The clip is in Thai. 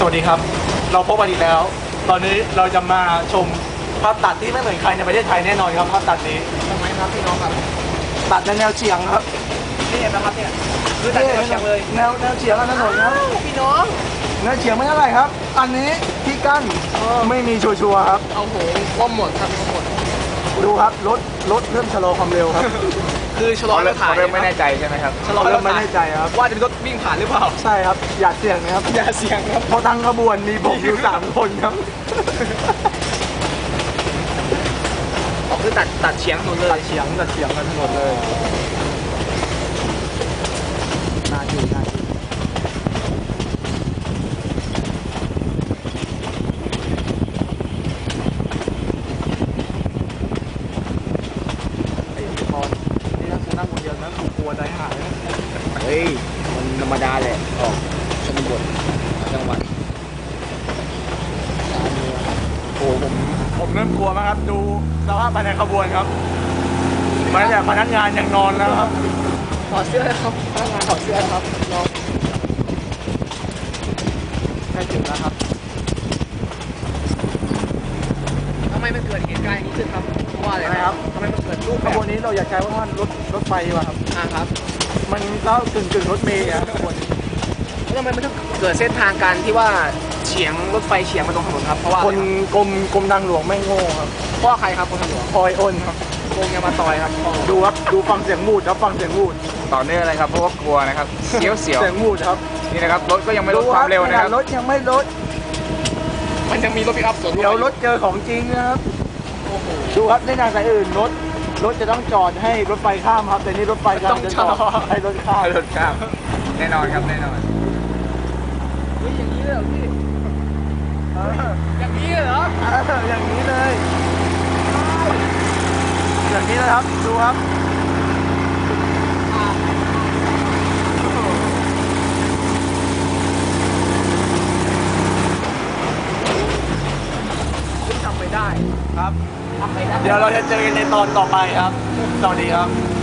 วัสดีครับเราพบกันอีกแล้ว ตอนนี้เราจะมาชมภาพตัดที่ไม่เหมือนใครในประเทศไทยแน่นอนครับภาพตัดนี้ทำไมครับพี่น้องครับตัดในแนวเฉียงครับนี่เห็นไหมครับเนี่ยคือตัดแนวเฉียงเลยแนวเฉียงถนนครับพี่น้องแนวเฉียงไม่เท่าไหร่ครับ อันนี้ที่กั้นไม่มีชัวร์ๆครับเอาโหก้มหมดครับก้มหมดดูครับรถเริ่มชะลอความเร็วครับคือชะลอแล้วถ่ายเริ่มไม่แน่ใจใช่ไหมครับชะลอเริ่แล้วมไม่ถ่ายแน่ใจครับว่าจะมีรถวิ่งผ่านหรือเปล่าใช่ครับอย่าเสี่ยงนะครับอย่าเสี่ยงครับเพราะทั้งขบวนมีผมอยู่3 คนครับออกคือตัดเฉียงถนนเลตัยดเฉียงกันถนนเลยน่าอยู่ไอ้พอนี่ถ้านั่งคนเดียวนะถูกกลัวใจหายนะเฮ้ย มันธรรมดาแหละออกชนบทจังหวัดโอ้ผมเริ่มกลัวมากครับดูสภาพภายในขบวนครับแม้แต่พนักงานยังนอนแล้วครับถอดเสื้อครับพนักงานถอดเสื้อครับน้องใกล้ถึงแล้วครับทำไมมันเกิดเหตุการณ์อย่างนี้ขึ้นครับเพราะว่าอะไรนะครับทำไมมันเกิดรูปขแบบบวนนี้เราอยากใช้ว่ารถไฟดีกว่าครับครับมันก็กึ่งรถเมล์ครับขบวนแล้วทำไมมันถึงเกิดเส้นทางการที่ว่าเฉียงรถไฟเฉียงมาตรงถนนครับเพราะว่าคนกรมทางหลวงไม่โง่ครับเพราะว่าใครครับคนทางหลวงคอยอ้นครับโกงยามาตอยครับดูครับดูฟังเสียงวูดครับฟังเสียงวูดต่อเนื่องเลยครับเพราะว่ากลัวนะครับเสียวเสียงวูดครับนี่นะครับรถก็ยังไม่ลดความเร็วนะครับรถยังไม่ลดมันยังมีรถปิกอัพสวนเดี๋ยวรถเจอของจริงนะครับดูครับในทางสายอื่นรถจะต้องจอดให้รถไฟข้ามครับแต่นี่รถไฟกำลังจะจอดให้รถข้ามรถข้ามแน่นอนครับแน่นอนเฮ้ยอย่างนี้เลยเหรอพี่เอออย่างนี้เลยเหรออย่างนี้เลยอย่างนี้นะครับดูครับทำไม่ได้ครับทำไม่ได้เดี๋ยวเราจะเจอกันในตอนต่อไปครับ สวัสดีครับ